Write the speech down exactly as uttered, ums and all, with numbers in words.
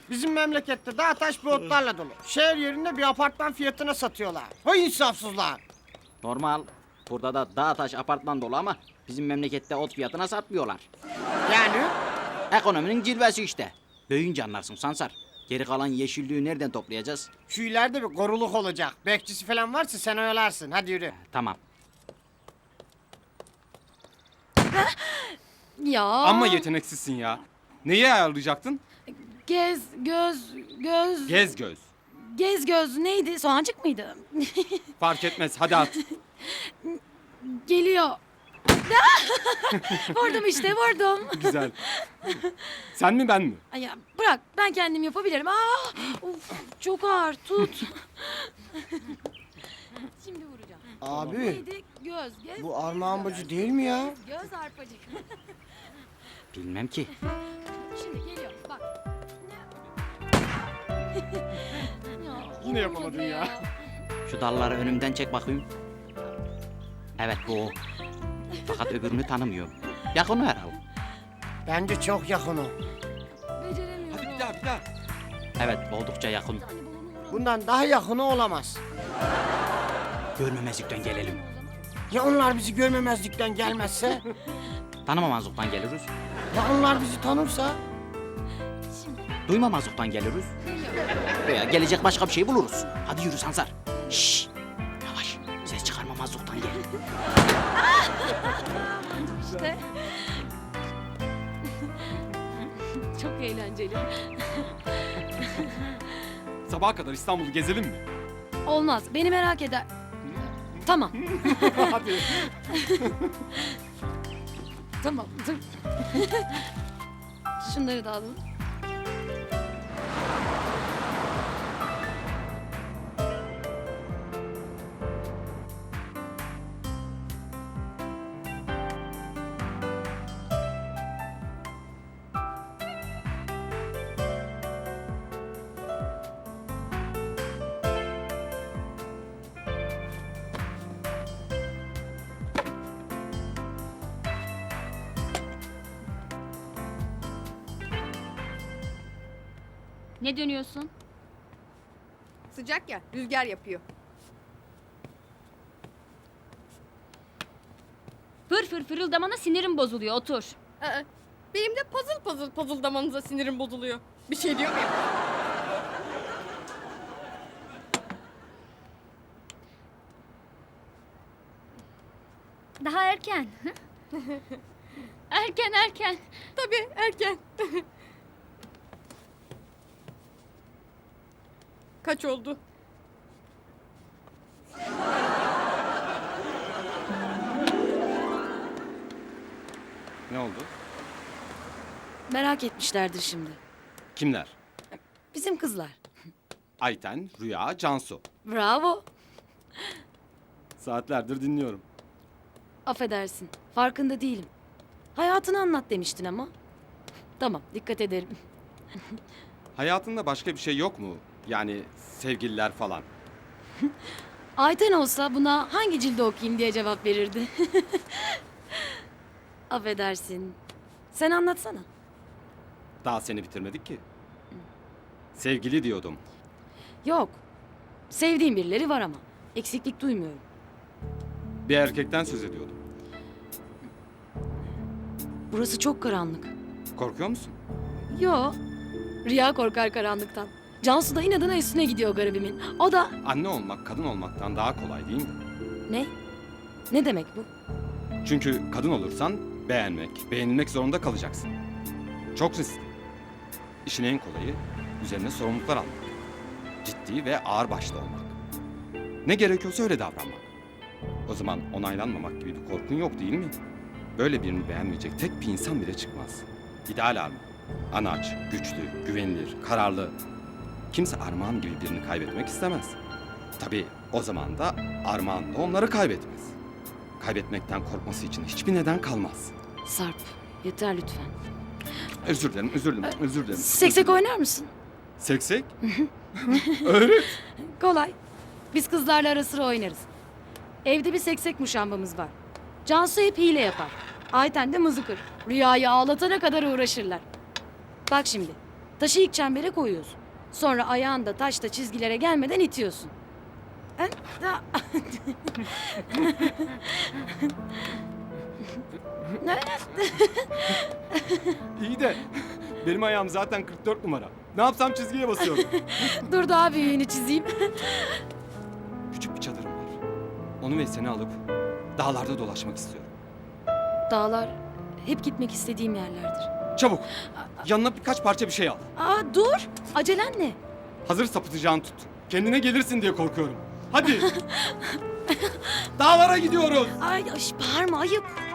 Bizim memlekette dağ taş bir otlarla dolu. Şehir yerinde bir apartman fiyatına satıyorlar. Hay insafsızlar. Normal. Burada da dağ taş apartman dolu ama bizim memlekette ot fiyatına satmıyorlar. Yani Ekonominin cilvesi işte. Büyüyünce anlarsın Sansar. Geri kalan yeşilliği nereden toplayacağız? şu ileride bir koruluk olacak. Bekçisi falan varsa sen oyalarsın. Hadi yürü. Tamam. Ya. Amma yeteneksizsin ya. Neyi ayarlayacaktın? Gez, göz, göz. Gez göz. Gez göz neydi? Soğancık mıydı? Fark etmez, hadi at. Geliyor. Vurdum işte vurdum. Güzel. Sen mi ben mi? Ay ya bırak ben kendim yapabilirim. Aa, of, çok ağır tut. Şimdi vuracağım. Abi Neydi? Göz, göz. bu Armağan Bacı değil mi ya? Göz arpacık. Bilmem ki. Şimdi geliyor bak. Ya, Yine yapamadın olmadı ya. Şu dalları önümden çek bakayım. Evet bu o. Fakat öbürünü tanımıyorum. Yakın herhalde. Bence çok yakın o. Beceremiyorum. Hadi bir daha, bir daha. Evet oldukça yakın. Hani balonu vuralım. Bundan daha yakını olamaz. Görmemezlikten gelelim. Ya onlar bizi görmemezlikten gelmezse? Tanımamazlıktan geliriz. Ya onlar bizi tanırsa? Duymamazlıktan geliriz. Veya gelecek başka bir şey buluruz. Hadi yürü Sansar. Şşş. Yavaş. Ses çıkarmamazlıktan gel. İşte. Çok eğlenceli. Sabaha kadar İstanbul'u gezelim mi? Olmaz. Beni merak eder. Tamam. Hadi. Tamam. Dur. Şunları da alalım. Ne dönüyorsun? Sıcak ya, rüzgar yapıyor. Fır fır fırıldamana sinirim bozuluyor, otur. Aa, benim de puzzle puzzle puzzledamanıza sinirim bozuluyor. Bir şey diyor muyum? Daha erken. erken erken. Tabii, erken. Kaç oldu? Ne oldu? Merak etmişlerdir şimdi. Kimler? Bizim kızlar. Ayten, Rüya, Cansu. Bravo. Saatlerdir dinliyorum. Affedersin. Farkında değilim. Hayatını anlat demiştin ama. Tamam, dikkat ederim. Hayatında başka bir şey yok mu? Yani sevgililer falan. Ayten olsa buna hangi cilde okuyayım diye cevap verirdi. Affedersin. Sen anlatsana. Daha seni bitirmedik ki. Sevgili diyordum. Yok. Sevdiğim birileri var ama. Eksiklik duymuyorum. Bir erkekten söz ediyordum. Burası çok karanlık. Korkuyor musun? Yo. Rüya korkar karanlıktan. Cansu da inadına üstüne gidiyor garibimin. O da... Anne olmak kadın olmaktan daha kolay değil mi? Ne? Ne demek bu? Çünkü kadın olursan beğenmek, beğenilmek zorunda kalacaksın. Çok riskli. İşin en kolayı üzerine sorumluluklar almak. Ciddi ve ağırbaşlı olmak. Ne gerekiyorsa öyle davranmak. O zaman onaylanmamak gibi bir korkun yok değil mi? Böyle birini beğenmeyecek tek bir insan bile çıkmaz. İdeal Armağan. Anaç, güçlü, güvenilir, kararlı. Kimse Armağan gibi birini kaybetmek istemez. Tabii o zaman da Armağan da onları kaybetmez. Kaybetmekten korkması için hiçbir neden kalmaz. Sarp, yeter lütfen. Özür dilerim, özür dilerim, özür dilerim. Seksek oynar mısın? Seksek? Öğret. Kolay. Biz kızlarla ara sıra oynarız. Evde bir seksek muşambamız var. Cansu hep hile yapar. Ayten de mızıkır. Rüyayı ağlatana kadar uğraşırlar. Bak şimdi. Taşı ilk çembere koyuyorsun. Sonra ayağını da taşta çizgilere gelmeden itiyorsun. Ha, da- İyi de benim ayağım zaten kırk dört numara. Ne yapsam çizgiye basıyorum. Dur daha büyüğünü çizeyim. Küçük bir çadırım var. Onu ve seni alıp dağlarda dolaşmak istiyorum. Dağlar hep gitmek istediğim yerlerdir. Çabuk. Yanına birkaç parça bir şey al. Aa dur. Acelen ne? Hazır sapıtacağını tut. Kendine gelirsin diye korkuyorum. Hadi. Dağlara gidiyoruz. Ay, ay bağırma ayıp.